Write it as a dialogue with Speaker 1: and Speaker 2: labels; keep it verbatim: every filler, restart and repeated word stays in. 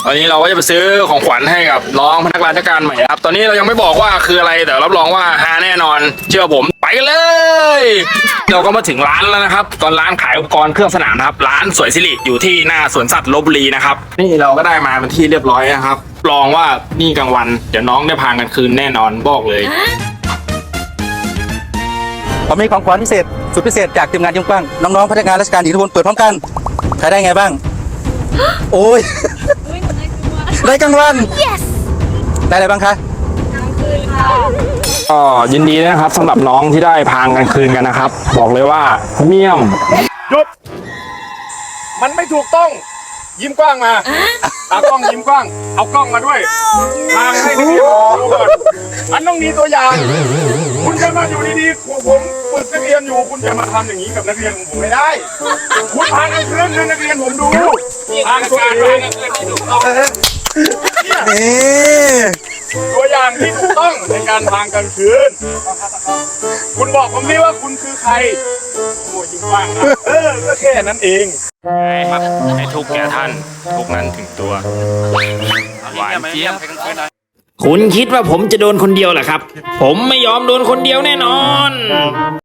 Speaker 1: ตอนนี้เราก็จะไปซื้อของขวัญให้กับน้องพนักงานราชการใหม่ครับตอนนี้เรายังไม่บอกว่าคืออะไรแต่รับรองว่าฮาแน่นอนเชื่อผมไปกันเลยเราก็มาถึงร้านแล้วนะครับตอนร้านขายอุปกรณ์เครื่องสนามนะครับร้านสวยสิริอยู่ที่หน้าสวนสัตว์ลพบุรีนะครับนี่เราก็ได้มาเป็นที่เรียบร้อยนะครับลองว่านี่กลางวันเดี๋ยวน้องได้พากันคืนแน่นอนบอกเลย
Speaker 2: ผมมีของขวัญพิเศษสุดพิเศษจากทีมงานยิ้มกว้างน้องๆพนักงานราชการหญิงทุกคนเปิดพร้อมกันใครได้ไงบ้างโอ้ยได้กลางวัน
Speaker 3: yes
Speaker 2: ได้อะไรบ้างคะ
Speaker 1: ก็ยินดีนะครับสำหรับน้องที่ได้พางกันคืนกันนะครับ บอกเลยว่าเมี่ยมหยุดมันไม่ถูกต้องยิ้มกว้างมาตากล้องยิ้มกว้างเอากล้องมาด้วยพางให้นักเรียนดูก่อนมันต้องมีตัวอย่างคุณจะมาอยู่ดีๆผมผมฝึกนักเรียนอยู่คุณจะมาทำอย่างนี้กับนักเรียนของผมไม่ได้คุณพางกันคืนให้นักเรียนผมดูพางตัวเอง
Speaker 2: นี่
Speaker 1: ตัวอย่างที่ถูกต้องในการพางกลางคืนคุณบอกผมนี่ว่าคุณคือใครโอ้ยยิ้มกว้างนะเออก็แค่นั้นเองครับให้ทุกแก่ท่านทุกนั้นถึงตัวหวานเจี๊ยบคุณคิดว่าผมจะโดนคนเดียวเหรอครับผมไม่ยอมโดนคนเดียวแน่นอน